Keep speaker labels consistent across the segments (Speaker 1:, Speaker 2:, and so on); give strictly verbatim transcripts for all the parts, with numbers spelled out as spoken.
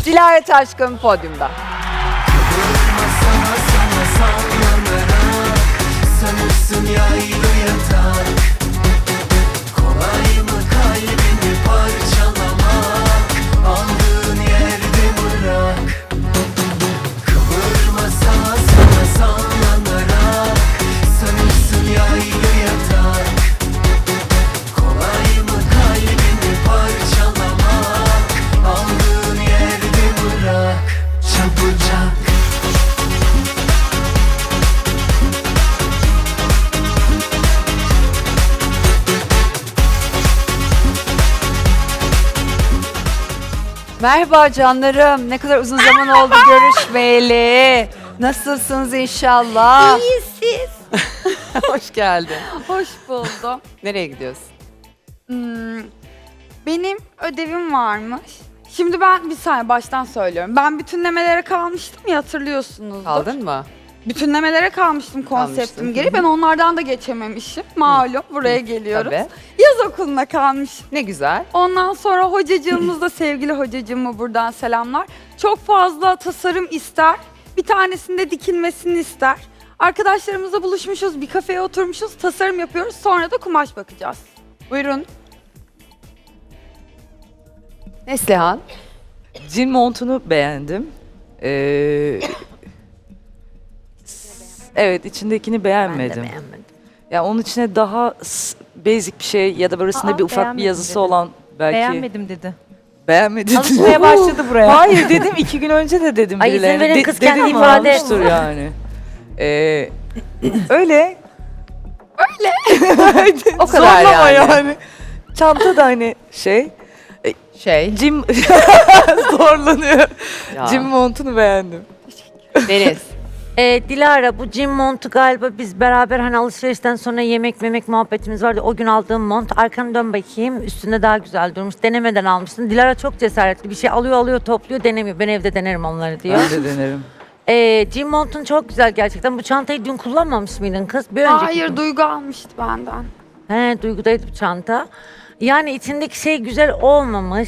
Speaker 1: Dilara Taşkın podyumda.
Speaker 2: Sana sana sallanarak sanırsın yaylı yatak. Kolay mı kalbimi parçalamak? Aldığın yerde bırak. Kıvırma sağa sana sallanarak sanırsın yaylı yatak. Kolay mı kalbimi parçalamak? Aldığın yerde bırak. Çabucak.
Speaker 1: Merhaba canlarım. Ne kadar uzun zaman oldu görüşmeyeli. Nasılsınız inşallah?
Speaker 3: İyiyiz siz.
Speaker 1: Hoş geldin.
Speaker 3: Hoş buldum.
Speaker 1: Nereye gidiyorsun?
Speaker 3: Hmm, benim ödevim varmış. Şimdi ben bir saniye baştan söylüyorum. Ben bütünlemelere kalmıştım ya, hatırlıyorsunuzdur.
Speaker 1: Kaldın mı?
Speaker 3: Bütünlemelere kalmıştım konseptim
Speaker 1: Kalmıştın.
Speaker 3: gereği. Ben onlardan da geçememişim. Malum buraya geliyoruz.
Speaker 1: Tabii.
Speaker 3: Yaz okuluna kalmışım.
Speaker 1: Ne güzel.
Speaker 3: Ondan sonra hocacığımız da sevgili hocacığıma buradan selamlar. Çok fazla tasarım ister. Bir tanesinde dikilmesini ister. Arkadaşlarımızla buluşmuşuz, bir kafeye oturmuşuz, tasarım yapıyoruz. Sonra da kumaş bakacağız.
Speaker 1: Buyurun. Neslihan.
Speaker 4: Jean montunu beğendim. Ee, evet, içindekini beğenmedim. Ya onun içine daha s- basic bir şey ya da böylesinde
Speaker 5: Aa,
Speaker 4: bir ufak bir
Speaker 5: beğenmedim
Speaker 4: yazısı
Speaker 5: dedi.
Speaker 4: olan belki.
Speaker 5: Beğenmedim dedi.
Speaker 4: Beğenmedin.
Speaker 5: Alışmaya başladı buraya.
Speaker 4: Hayır dedim, iki gün önce de dedim
Speaker 5: Ay, izin
Speaker 4: birilerine.
Speaker 5: verin, kız kendi
Speaker 4: dediğimi
Speaker 5: ifade
Speaker 4: almıştır
Speaker 5: etsin.
Speaker 4: yani. Ee, öyle.
Speaker 1: O kadar
Speaker 4: Zorlama
Speaker 1: yani.
Speaker 4: yani. Çanta da hani şey.
Speaker 1: Şey.
Speaker 4: Jim zorlanıyor.
Speaker 1: Ya.
Speaker 4: Jim montunu beğendim.
Speaker 1: Deniz.
Speaker 5: Ee, Dilara, bu Jim montu galiba biz beraber hani alışverişten sonra yemek memek muhabbetimiz vardı. O gün aldığım mont. Arkanı dön bakayım. Üstünde daha güzel durmuş. Denemeden almışsın. Dilara çok cesaretli. Bir şey alıyor alıyor topluyor denemiyor. Ben evde denerim onları diyor.
Speaker 4: Ben de denerim.
Speaker 5: Ee, Jim montun çok güzel gerçekten. Bu çantayı dün kullanmamış mıydın kız? Bir önceki
Speaker 3: Hayır,
Speaker 5: gün.
Speaker 3: Duygu almıştı benden.
Speaker 5: He, Duygu'daydı bu çanta. Yani içindeki şey güzel olmamış.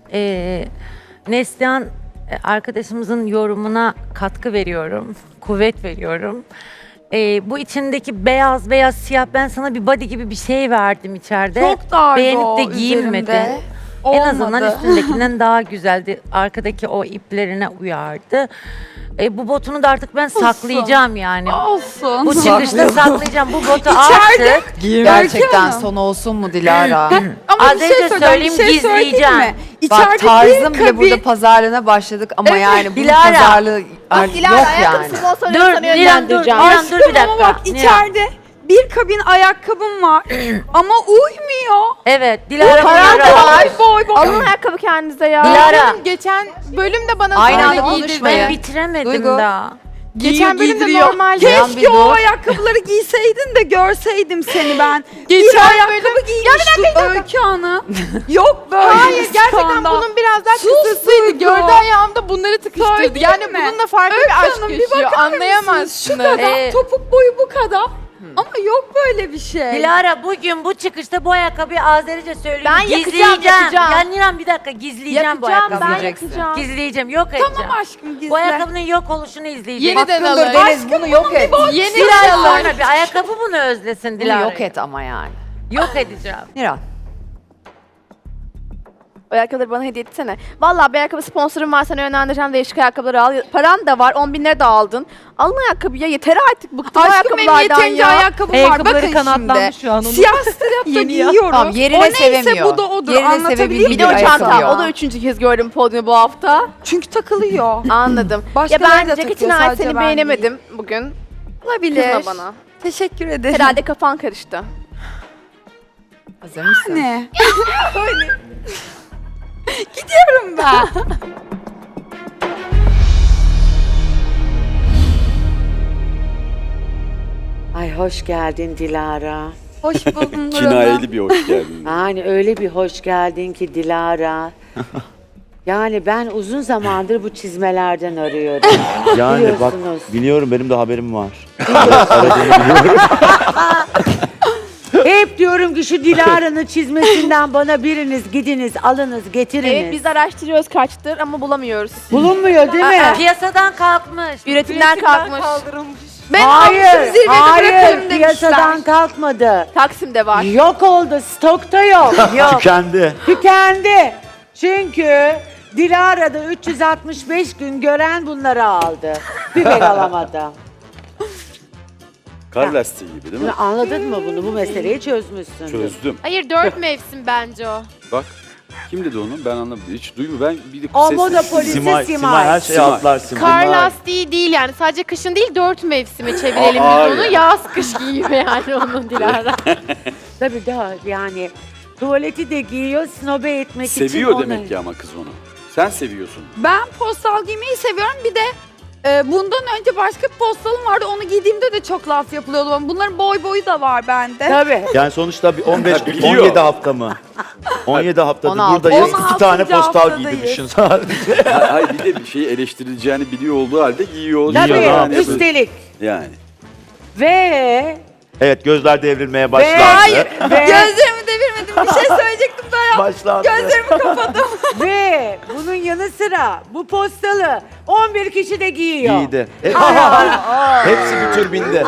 Speaker 5: Ee, Neslihan e, arkadaşımızın yorumuna katkı veriyorum. Kuvvet veriyorum. Ee, bu içindeki beyaz beyaz siyah, ben sana bir body gibi bir şey verdim içeride.
Speaker 3: Çok dardı
Speaker 5: Beğenip
Speaker 3: o
Speaker 5: de giyinmedin.
Speaker 3: üzerimde.
Speaker 5: En azından
Speaker 3: Olmadı.
Speaker 5: üstündekinden daha güzeldi. Arkadaki o iplerine uyardı. E, bu botunu da artık ben saklayacağım yani.
Speaker 3: Olsun.
Speaker 5: Bu çıkışta saklayacağım. Bu botu
Speaker 3: İçeride-
Speaker 5: artık
Speaker 1: Gerçekten
Speaker 3: Hanım.
Speaker 1: son olsun mu Dilara?
Speaker 3: Ama
Speaker 5: Az
Speaker 3: bir şey
Speaker 5: önce
Speaker 3: söyleyeceğim,
Speaker 5: söyleyeyim,
Speaker 3: bir şey söyleyeyim
Speaker 5: gizleyeceğim.
Speaker 3: mi?
Speaker 1: Bak
Speaker 3: İçeride
Speaker 1: tarzım
Speaker 3: bir
Speaker 1: bile
Speaker 3: kabin-
Speaker 1: burada pazarlığına başladık ama
Speaker 3: Evet,
Speaker 1: yani bunun
Speaker 5: Dilara.
Speaker 1: pazarlığı artık
Speaker 6: Dilara
Speaker 1: yok
Speaker 6: ayakkabı
Speaker 1: yani.
Speaker 6: sponsorunu
Speaker 5: Dur,
Speaker 6: sana
Speaker 5: Nilan dur,
Speaker 6: yönlendireceğim.
Speaker 5: Nilan dur bir
Speaker 3: Aşkım
Speaker 5: dakika.
Speaker 3: ama bak
Speaker 5: Nilan.
Speaker 3: içeride bir kabin ayakkabım var ama uymuyor.
Speaker 5: Evet, Dilara
Speaker 6: Paran
Speaker 5: bunları
Speaker 6: da
Speaker 5: al.
Speaker 6: var.
Speaker 3: Boy boy.
Speaker 6: Alın ayakkabı kendinize ya.
Speaker 5: Dilara.
Speaker 7: Geçen bölümde bana
Speaker 1: Aynı
Speaker 7: böyle
Speaker 1: anda
Speaker 7: giydirdi.
Speaker 1: konuşmayın.
Speaker 5: Ben bitiremedim
Speaker 1: Duygu.
Speaker 5: daha.
Speaker 7: Geçen bölümde
Speaker 3: giydiriyor.
Speaker 7: normalde
Speaker 1: Yan bir
Speaker 3: Keşke o
Speaker 1: dur.
Speaker 3: ayakkabıları giyseydin de görseydim seni ben.
Speaker 7: Geçen
Speaker 3: bir ayakkabı
Speaker 7: bölüm-
Speaker 3: giymişti Öykü Hanım. Yok böyle
Speaker 7: Hayır
Speaker 3: bir
Speaker 7: gerçekten
Speaker 3: skandal.
Speaker 7: bunun biraz daha
Speaker 3: Sus
Speaker 7: kısasıydı.
Speaker 3: Duygu.
Speaker 7: Gördüğü ayağımda bunları tıkıştırdı.
Speaker 3: Söyleyeyim
Speaker 7: Yani
Speaker 3: mi?
Speaker 7: bununla farklı
Speaker 3: Öykü
Speaker 7: bir aşk
Speaker 3: Hanım, bir
Speaker 7: yaşıyor.
Speaker 3: bakar
Speaker 7: Anlayamazsınız.
Speaker 3: Şu kadar
Speaker 5: Ee,
Speaker 3: topuk boyu bu kadar. Ama yok böyle bir şey.
Speaker 5: Dilara, bugün bu çıkışta bu ayakkabıyı Azerice söyleyeyim.
Speaker 6: Ben yakacağım,
Speaker 5: Gizleyeceğim.
Speaker 6: yakacağım.
Speaker 5: Ya Nilan bir dakika, gizleyeceğim bu
Speaker 6: Yakacağım,
Speaker 5: ayakkabıyı.
Speaker 6: ben yakacağım.
Speaker 5: Gizleyeceğim, yok edeceğim.
Speaker 3: Tamam aşkım gizle.
Speaker 5: Bu ayakkabının yok oluşunu izleyeceğim.
Speaker 7: Yeniden
Speaker 1: Hakkındır
Speaker 7: alın.
Speaker 1: Deniz bunu yok et.
Speaker 7: Yeni
Speaker 5: Bir ay
Speaker 7: alın.
Speaker 5: sonra bir ayakkabı bunu özlesin
Speaker 1: Bunu
Speaker 5: Dilara.
Speaker 1: yok et ama yani.
Speaker 5: Yok edeceğim.
Speaker 1: Niran.
Speaker 6: O ayakkabıları bana hediye etsene. Vallahi bir ayakkabı sponsorum var, sana yönlendireceğim, değişik ayakkabıları al. Paran da var, on bin lira da aldın. Alın ayakkabı ya, yeter artık, bıktım
Speaker 3: Aşkım benim
Speaker 6: ayakkabılardan
Speaker 3: yeterince
Speaker 6: ya.
Speaker 3: ayakkabım var.
Speaker 5: Ayakkabıları
Speaker 3: Bakın
Speaker 5: kanatlanmış
Speaker 3: şimdi.
Speaker 5: şu an onun.
Speaker 3: Siyah strapta giyiyorum.
Speaker 1: Tamam, yerine
Speaker 3: o neyse
Speaker 1: sevemiyor.
Speaker 3: bu da odur.
Speaker 1: Yerine
Speaker 3: Anlatabiliyor
Speaker 1: sevebildiği
Speaker 6: Bir de o
Speaker 1: ayakkabı
Speaker 6: çanta,
Speaker 1: ya.
Speaker 6: o da üçüncü kez gördüm podyumu bu hafta.
Speaker 3: Çünkü takılıyor.
Speaker 6: Anladım. ya
Speaker 3: Başkaları
Speaker 6: ben
Speaker 3: da
Speaker 6: ceketin
Speaker 3: takıyor,
Speaker 6: ait
Speaker 3: sadece
Speaker 6: seni
Speaker 3: ben
Speaker 6: beğenemedim bugün.
Speaker 3: Olabilir.
Speaker 6: Kızma bana.
Speaker 3: Teşekkür ederim.
Speaker 6: Herhalde kafan karıştı.
Speaker 1: Hazır mısın?
Speaker 3: Ne? Öyle. Gidiyorum ben.
Speaker 8: Ay hoş geldin Dilara.
Speaker 3: Hoş buldum Nur Hanım.
Speaker 9: Kinayeli bir hoş geldin.
Speaker 8: Yani öyle bir hoş geldin ki Dilara. Yani ben uzun zamandır bu çizmelerden arıyorum.
Speaker 9: Yani bak
Speaker 8: Biliyorsunuz.
Speaker 9: biliyorum benim de haberim var. Aradığını biliyorum.
Speaker 8: Hep diyorum ki şu Dilara'nın çizmesinden bana biriniz gidiniz, alınız, getiriniz.
Speaker 6: Evet biz araştırıyoruz kaçtır ama bulamıyoruz.
Speaker 8: Bulunmuyor değil mi?
Speaker 5: Piyasadan kalkmış.
Speaker 6: Üretimden kalkmış. Ben
Speaker 8: Hayır,
Speaker 6: almışım zirvede
Speaker 8: hayır,
Speaker 6: bırakırım
Speaker 8: piyasadan
Speaker 6: demişler.
Speaker 8: kalkmadı.
Speaker 6: Taksim'de var.
Speaker 8: Yok oldu, stokta yok. yok.
Speaker 9: Tükendi.
Speaker 8: Tükendi. Çünkü Dilara'da üç yüz altmış beş gün gören bunları aldı. Bir ben alamadı.
Speaker 9: Kar lastiği gibi değil mi?
Speaker 8: Anladın mı bunu? Bu meseleyi çözmüşsün.
Speaker 9: Çözdüm.
Speaker 7: Hayır dört mevsim bence o.
Speaker 9: Bak. Kim dedi onu? Ben anlamadım. Hiç duymuyorum. Ben bir de
Speaker 8: O
Speaker 9: sessiz-
Speaker 8: monopolisi Simay. Simay.
Speaker 9: her şeyi atlar Simay.
Speaker 7: Kar lastiği değil yani sadece kışın değil dört mevsime çevirelim
Speaker 9: Aa,
Speaker 7: biz onu.
Speaker 9: hayır.
Speaker 7: Yaz kış giyiyor yani onun Dilara.
Speaker 8: Tabii daha yani tuvaleti de giyiyor snobe etmek için.
Speaker 9: Seviyor
Speaker 8: onu-
Speaker 9: demek ki ama kız onu. Sen seviyorsun.
Speaker 3: Ben postal giymeyi seviyorum. Bir de e, bundan önce başka bir postalım vardı. Onu giydiğimde de çok laf yapılıyordu bana. Bunların boy boyu da var bende.
Speaker 8: Tabii.
Speaker 10: Yani sonuçta bir on beş
Speaker 9: Biliyor.
Speaker 10: on yedi hafta mı? on yedi haftadır
Speaker 3: on altı.
Speaker 10: buradayız.
Speaker 3: on
Speaker 10: iki
Speaker 3: altıncı
Speaker 10: tane postal
Speaker 3: haftadayız.
Speaker 10: giydirmişsin sadece.
Speaker 9: Hayır bir de bir şeyi eleştirileceğini biliyor olduğu halde giyiyor.
Speaker 8: Tabii.
Speaker 9: Giyiyor yani.
Speaker 8: Üstelik.
Speaker 9: Yani.
Speaker 8: Ve
Speaker 10: Evet, gözler devrilmeye başlandı.
Speaker 8: Hayır. ve,
Speaker 3: Gözlerimi devirmedim. Bir şey söyleyecektim daha ya.
Speaker 10: Başlandı.
Speaker 3: Gözlerimi kapadım.
Speaker 8: ve bunun yanı sıra bu postalı on bir kişi de giyiyor.
Speaker 10: Giydi. Hep- Hepsi bir tür bindi.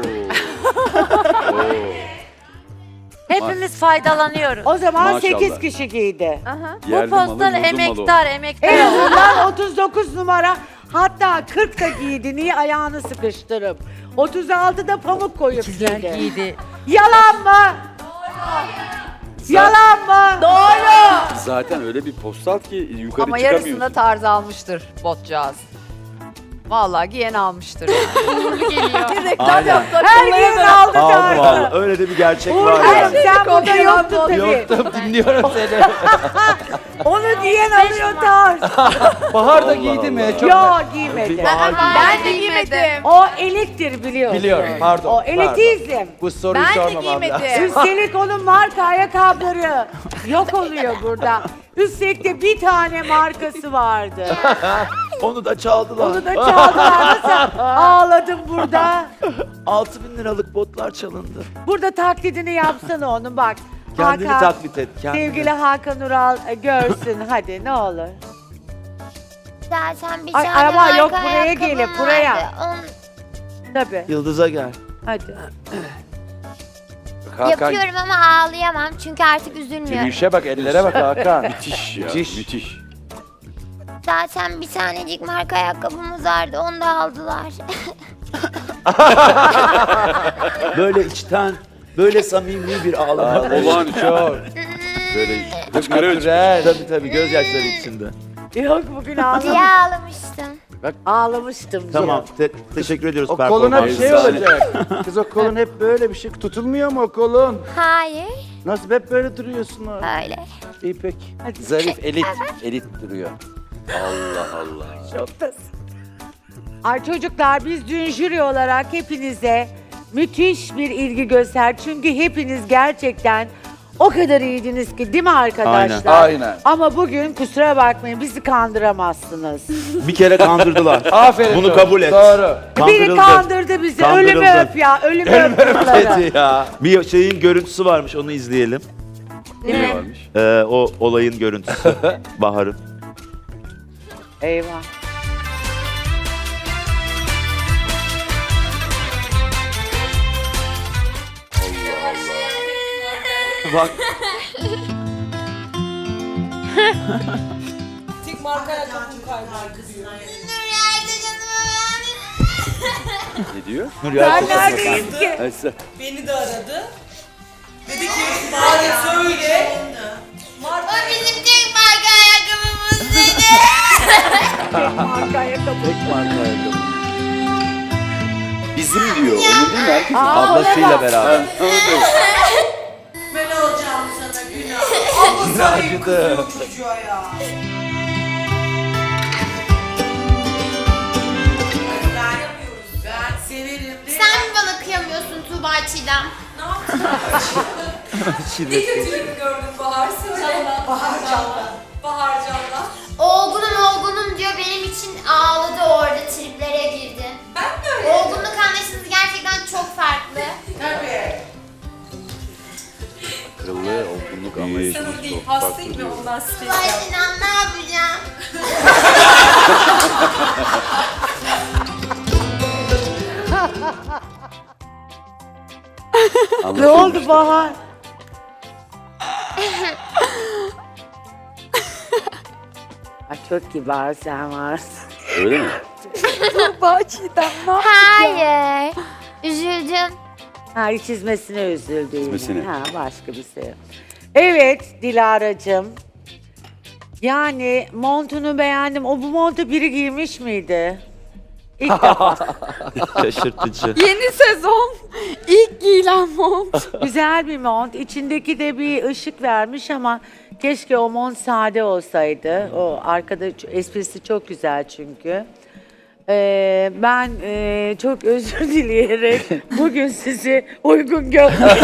Speaker 5: Hepimiz faydalanıyoruz.
Speaker 8: O zaman
Speaker 9: Maşallah.
Speaker 8: sekiz kişi giydi.
Speaker 6: Aha.
Speaker 5: Bu
Speaker 9: Yerli malı,
Speaker 5: postal
Speaker 9: yurdun malı.
Speaker 5: emektar, emektar.
Speaker 8: En azından otuz dokuz numara hatta kırk da giydi. Niye ayağını sıkıştırıp? otuz altıda pamuk koyup
Speaker 5: İkizler
Speaker 8: giydi.
Speaker 5: giydi.
Speaker 8: Yalan mı? Yalan mı? Doğru.
Speaker 9: Zaten öyle bir postal ki yukarı
Speaker 1: Ama
Speaker 9: çıkamıyorsun.
Speaker 1: yarısında tarz almıştır botcağız. Vallahi giyen almıştır.
Speaker 7: Uğurlu geliyor.
Speaker 10: Aynen.
Speaker 8: Her gün aldı
Speaker 10: Aldım
Speaker 8: tarzı.
Speaker 10: aldım. Öyle de bir gerçek var
Speaker 8: Uğur
Speaker 10: yani.
Speaker 8: sen burada yoktun tabii.
Speaker 10: Yoktum, dinliyorum seni.
Speaker 8: Onu giyen alıyor tarz.
Speaker 10: Bahar da giydi mi?
Speaker 8: Yok giymedi.
Speaker 7: Ben de giymedim.
Speaker 8: O elektir biliyorsun.
Speaker 10: Biliyorum, pardon,
Speaker 8: O elitizm.
Speaker 10: Bu soruyu
Speaker 7: Ben de
Speaker 10: sormamam lazım.
Speaker 7: giymedim.
Speaker 8: Üstelik onun marka ayakkabıları yok oluyor burada. Üstelik de bir tane markası vardı.
Speaker 10: Onu da çaldılar.
Speaker 8: Onu da çaldılar. Nasıl ağladım burada.
Speaker 10: altı bin liralık botlar çalındı.
Speaker 8: Burada taklidini yapsana onun bak.
Speaker 10: Kendini
Speaker 8: Hakan,
Speaker 10: taklit et. Kendini.
Speaker 8: sevgili Hakan Ural e, görsün hadi ne olur.
Speaker 11: Zaten bir
Speaker 8: Ay,
Speaker 11: tane
Speaker 8: ama yok,
Speaker 11: marka
Speaker 8: buraya
Speaker 11: ayakkabım
Speaker 8: gelin, buraya.
Speaker 11: vardı. Onu
Speaker 8: Tabii
Speaker 10: Yıldız'a gel.
Speaker 8: hadi.
Speaker 9: Hakan,
Speaker 11: yapıyorum ama ağlayamam çünkü artık üzülmüyorum.
Speaker 10: Yürüyüşe bak, ellere bak Hakan.
Speaker 9: müthiş ya.
Speaker 10: Müthiş.
Speaker 9: Müthiş.
Speaker 11: Zaten bir tanecik marka ayakkabımız vardı onu da aldılar.
Speaker 10: Böyle içten, böyle samimi bir ağlama.
Speaker 9: Olağanüstü. Böyle hıçkırık.
Speaker 10: Tabii tabii, gözyaşları içinde.
Speaker 8: Yok bugün ağladım.
Speaker 11: diye ağlamıştım.
Speaker 8: Ağlamıştım.
Speaker 10: Tamam, te- teşekkür ediyoruz
Speaker 12: O koluna bir şey
Speaker 9: Efsane.
Speaker 12: olacak. Kız o kolun hep böyle bir şey. Tutulmuyor mu o kolun?
Speaker 11: Hayır
Speaker 12: Nasıl hep böyle duruyorsun orada?
Speaker 11: öyle.
Speaker 12: İyi pek.
Speaker 10: Zarif, elit, elit duruyor.
Speaker 9: Allah Allah.
Speaker 8: Ay çocuklar biz dün jüri olarak hepinize müthiş bir ilgi göster. Çünkü hepiniz gerçekten o kadar iyiydiniz ki değil mi arkadaşlar?
Speaker 12: Aynen.
Speaker 8: Ama bugün kusura bakmayın bizi kandıramazsınız.
Speaker 10: Bir kere kandırdılar.
Speaker 12: Aferin.
Speaker 10: Bunu
Speaker 12: doğru,
Speaker 10: kabul et.
Speaker 12: Doğru.
Speaker 8: Biri
Speaker 10: Kandırıldı.
Speaker 8: kandırdı bizi.
Speaker 10: Kandırıldı.
Speaker 8: Ölümü öp ya. Ölümü öp kızları.
Speaker 10: Evet ya. Bir şeyin görüntüsü varmış, onu izleyelim.
Speaker 9: Ne varmış?
Speaker 10: Ee, o olayın görüntüsü. Bahar'ın.
Speaker 8: Eyvah.
Speaker 10: Bak.
Speaker 9: Ne diyor?
Speaker 8: Ben neredeyim ki?
Speaker 9: Ayşe.
Speaker 2: Beni de aradı. Dedi ki bari söyle.
Speaker 11: O bizim tek marka ayakkabımız dedi.
Speaker 8: Marka ayakkabı.
Speaker 10: Tek marka ayakkabı.
Speaker 9: Bizim diyor. Onun değil mi? Herkesin.
Speaker 8: Aa,
Speaker 10: Ablasıyla
Speaker 8: ona bak.
Speaker 10: beraber.
Speaker 2: Ben alacağım sana günah. Ama sana kızıyor çocuğa ya. Ben yapıyoruz. Ben severim.
Speaker 11: Sen mi bana kıyamıyorsun Tuğba Çiğdem?
Speaker 2: Ne kötülük gördün Bahar Can'la. Bahar Can'la. Bahar Can'la.
Speaker 11: Olgunum olgunum diyor benim için ağladı orada triplere girdi.
Speaker 2: Ben de öyle.
Speaker 11: Olgunluk anlayışınız gerçekten çok farklı.
Speaker 2: Tabii. atayım mı ondan space
Speaker 11: Vay
Speaker 2: yap.
Speaker 11: Sinan ne yapacağım?
Speaker 8: Ne oldu Bahar? Ay çok kibar sen varsın.
Speaker 9: Öyle mi?
Speaker 3: Bahçeden ne yap-
Speaker 11: Hayır. Üzüldüm.
Speaker 8: Ha çizmesine üzüldü yine.
Speaker 9: Çizmesine.
Speaker 8: Ha başka bir şey yok. Evet Dilara'cığım. Yani montunu beğendim. O bu montu biri giymiş miydi? İlk defa.
Speaker 10: Şaşırtıcı.
Speaker 3: Yeni sezon ilk giyilen mont.
Speaker 8: Güzel bir mont. İçindeki de bir ışık vermiş ama keşke o mont sade olsaydı. O arkada ç- esprisi çok güzel çünkü. Ee, ben e, çok özür dileyerek bugün sizi uygun görmedim.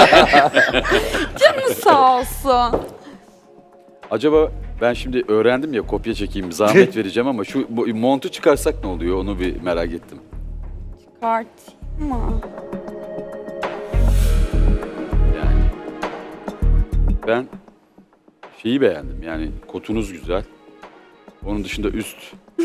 Speaker 3: Canı sağ olsun.
Speaker 9: Acaba ben şimdi öğrendim ya, kopya çekeyim, zahmet vereceğim ama şu bu, montu çıkarsak ne oluyor onu bir merak ettim.
Speaker 3: Çıkartayım mı?
Speaker 9: Yani ben şeyi beğendim, yani kotunuz güzel. Onun dışında üst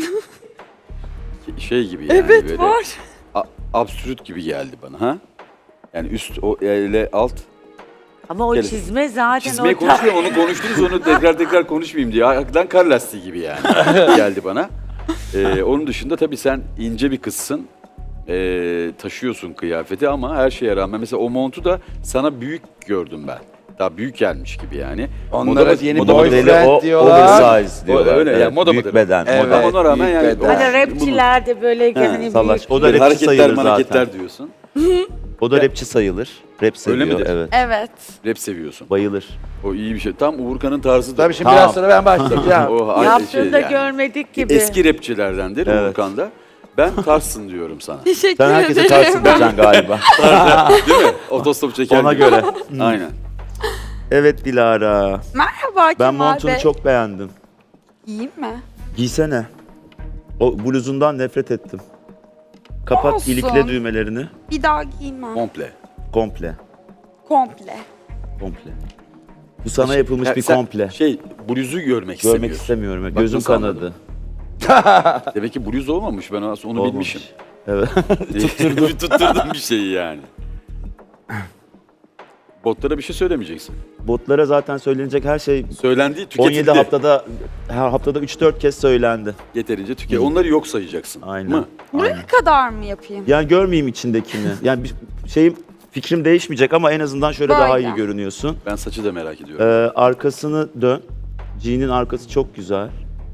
Speaker 9: şey gibi yani,
Speaker 3: Evet
Speaker 9: böyle
Speaker 3: var.
Speaker 9: a- absürt gibi geldi bana, ha? Yani üst o ile alt.
Speaker 8: Ama o
Speaker 9: Gelin.
Speaker 8: çizme zaten
Speaker 9: Çizmeyi
Speaker 8: o
Speaker 9: konuşmuyorum, onu konuştunuz, onu tekrar tekrar konuşmayayım diye. Hakikaten kar lastiği gibi yani geldi bana. Ee, onun dışında tabii sen ince bir kızsın. Ee, taşıyorsun kıyafeti ama her şeye rağmen mesela o montu da sana büyük gördüm ben. Daha büyük gelmiş gibi yani.
Speaker 12: Onlara
Speaker 9: Moda-
Speaker 12: yeni
Speaker 9: moda
Speaker 12: boyfriend
Speaker 9: modeli-
Speaker 10: o,
Speaker 12: diyorlar.
Speaker 10: oversize diyorlar.
Speaker 9: öyle yani, moda
Speaker 10: büyük
Speaker 9: modeli.
Speaker 10: beden.
Speaker 12: Evet.
Speaker 10: moda.
Speaker 9: Ama ona rağmen
Speaker 12: büyük
Speaker 9: yani
Speaker 12: beden.
Speaker 8: Hani rapçiler de böyle hani
Speaker 10: Salaş.
Speaker 8: büyük.
Speaker 10: O da
Speaker 9: böyle
Speaker 10: rapçi
Speaker 9: hareketler
Speaker 10: sayılır zaten.
Speaker 9: hareketler diyorsun.
Speaker 10: O da rapçi sayılır. Rap seviyor.
Speaker 9: midir?
Speaker 10: Evet.
Speaker 3: Evet.
Speaker 9: Rap seviyorsun.
Speaker 10: Bayılır.
Speaker 9: O iyi bir şey. Tam Uğurkan'ın tarzıdır.
Speaker 12: Tabii şimdi
Speaker 10: Tamam.
Speaker 12: biraz sonra ben başlayacağım.
Speaker 9: O ay-
Speaker 8: Yaptığını da
Speaker 9: yani.
Speaker 8: görmedik gibi.
Speaker 9: Eski rapçilerdendir
Speaker 10: Evet.
Speaker 9: Uğurkan'da. Ben tarzsın diyorum sana.
Speaker 3: Teşekkür
Speaker 10: Sen herkese
Speaker 3: ederim.
Speaker 10: tarsın diyeceksin galiba.
Speaker 9: Değil mi? Otostop çeker
Speaker 10: Ona
Speaker 9: gibi.
Speaker 10: göre.
Speaker 9: Aynen.
Speaker 10: Evet Dilara.
Speaker 3: Merhaba
Speaker 10: Ben
Speaker 3: Kemal
Speaker 10: montunu
Speaker 3: Bey.
Speaker 10: çok beğendim.
Speaker 3: İyiyim mi?
Speaker 10: Giysene. O bluzundan nefret ettim. Kapat
Speaker 3: Olsun.
Speaker 10: ilikle düğmelerini.
Speaker 3: Bir daha giymem.
Speaker 9: Komple.
Speaker 10: Komple.
Speaker 3: Komple.
Speaker 10: Komple. Bu sana yapılmış
Speaker 9: Ya
Speaker 10: bir
Speaker 9: sen
Speaker 10: komple.
Speaker 9: Şey, bluzu görmek
Speaker 10: Görmek
Speaker 9: istemiyorsun.
Speaker 10: istemiyorum.
Speaker 9: Bak
Speaker 10: Gözüm
Speaker 9: nasıl
Speaker 10: kanadı.
Speaker 9: Demek ki bluz olmamış. Ben aslında onu
Speaker 10: Olmamış.
Speaker 9: bilmişim.
Speaker 10: Evet.
Speaker 9: Tutturdum. Tutturdum bir şeyi yani. Botlara bir şey söylemeyeceksin.
Speaker 10: Botlara zaten söylenecek her şey
Speaker 9: Söylendiği
Speaker 10: on
Speaker 9: tüketildi.
Speaker 10: yedi haftada her haftada üç dört kez söylendi.
Speaker 9: Yeterince tüket. Onları yok sayacaksın.
Speaker 10: Aynen.
Speaker 9: Mı?
Speaker 3: Buraya kadar mı yapayım?
Speaker 10: Yani görmeyeyim içindekini. Yani bir şeyim fikrim değişmeyecek ama en azından şöyle
Speaker 3: Böyle.
Speaker 10: daha iyi görünüyorsun.
Speaker 9: Ben saçı da merak ediyorum.
Speaker 10: Ee, arkasını dön. Jean'in arkası çok güzel.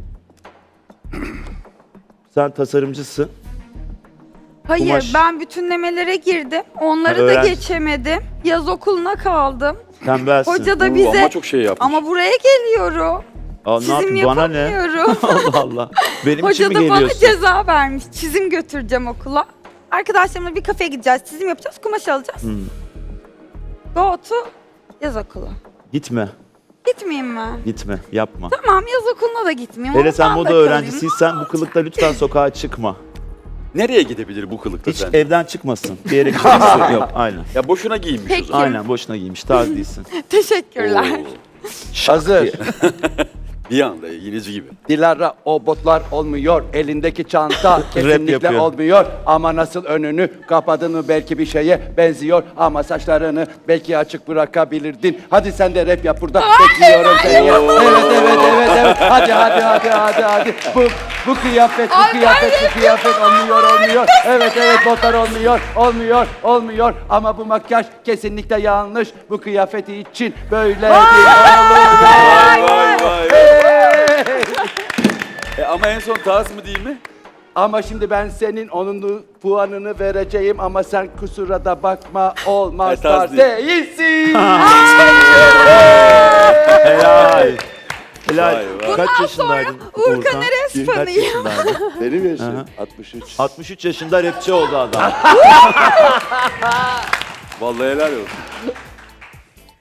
Speaker 10: Sen tasarımcısın.
Speaker 3: Hayır,
Speaker 10: Kumaş.
Speaker 3: ben bütünlemelere girdim. Onları
Speaker 10: Ha,
Speaker 3: da
Speaker 10: öğrenci.
Speaker 3: geçemedim. Yaz okuluna kaldım.
Speaker 10: Tembelsin.
Speaker 3: Hoca da
Speaker 9: Oo,
Speaker 3: bize
Speaker 9: ama çok şey yapmış.
Speaker 3: ama buraya geliyorum.
Speaker 10: Aa, ne
Speaker 3: Çizim
Speaker 10: yapayım bana ne?
Speaker 3: yapamıyorum.
Speaker 10: Allah Allah. Benim için
Speaker 3: Hoca
Speaker 10: mi
Speaker 3: da bana
Speaker 10: geliyorsun?
Speaker 3: ceza vermiş. Çizim götüreceğim okula. Arkadaşlarımla bir kafeye gideceğiz. Çizim yapacağız, kumaş alacağız.
Speaker 10: Hmm.
Speaker 3: Go to yaz okulu.
Speaker 10: Gitme.
Speaker 3: Gitmeyeyim mi?
Speaker 10: Gitme. Yapma.
Speaker 3: Tamam, yaz okuluna da gitmeyeyim.
Speaker 10: Hele sen
Speaker 3: Oradan da
Speaker 10: moda
Speaker 3: kalayım.
Speaker 10: öğrencisiysen bu kılıkla lütfen sokağa çıkma.
Speaker 9: Nereye gidebilir bu kılıkta
Speaker 10: Hiç
Speaker 9: sen?
Speaker 10: evden çıkmasın. Bir yere gitmesi yok. Aynen.
Speaker 9: Ya boşuna giyinmiş o
Speaker 3: Peki.
Speaker 9: zaman.
Speaker 10: Aynen boşuna giymiş. Tarz değilsin.
Speaker 3: Teşekkürler.
Speaker 9: Oo,
Speaker 12: Hazır.
Speaker 9: bir anda yineci gibi.
Speaker 12: Dilara o botlar olmuyor. Elindeki çanta kesinlikle
Speaker 10: yapıyor.
Speaker 12: olmuyor. Ama nasıl önünü kapadın mı belki bir şeye benziyor. Ama saçlarını belki açık bırakabilirdin. Hadi sen de rap yap burada. Bekliyorum seni. ya. Evet evet evet evet. Hadi hadi hadi hadi hadi. Bu bu kıyafet bu kıyafet bu kıyafet olmuyor olmuyor. Evet evet botlar olmuyor olmuyor olmuyor. Ama bu makyaj kesinlikle yanlış. Bu kıyafeti için böyle değil.
Speaker 9: Vay vay vay. E, ama en son tarz mı değil mi?
Speaker 12: Ama şimdi ben senin onun puanını vereceğim ama sen kusura da bakma olmaz
Speaker 9: E, tarz
Speaker 12: tarz
Speaker 9: değil.
Speaker 12: değilsin.
Speaker 10: Helal. Helal.
Speaker 9: Vay vay.
Speaker 10: Kaç yaşındaydın
Speaker 3: Uğurkan
Speaker 10: Uğurkan?
Speaker 3: Eres
Speaker 10: Kaç
Speaker 3: fanıyım.
Speaker 10: yaşındaydın?
Speaker 12: Benim
Speaker 10: Hı
Speaker 12: yaşım
Speaker 10: hı.
Speaker 12: altmış üç.
Speaker 10: altmış üç yaşında rapçi oldu adam.
Speaker 9: Vallahi helal olsun.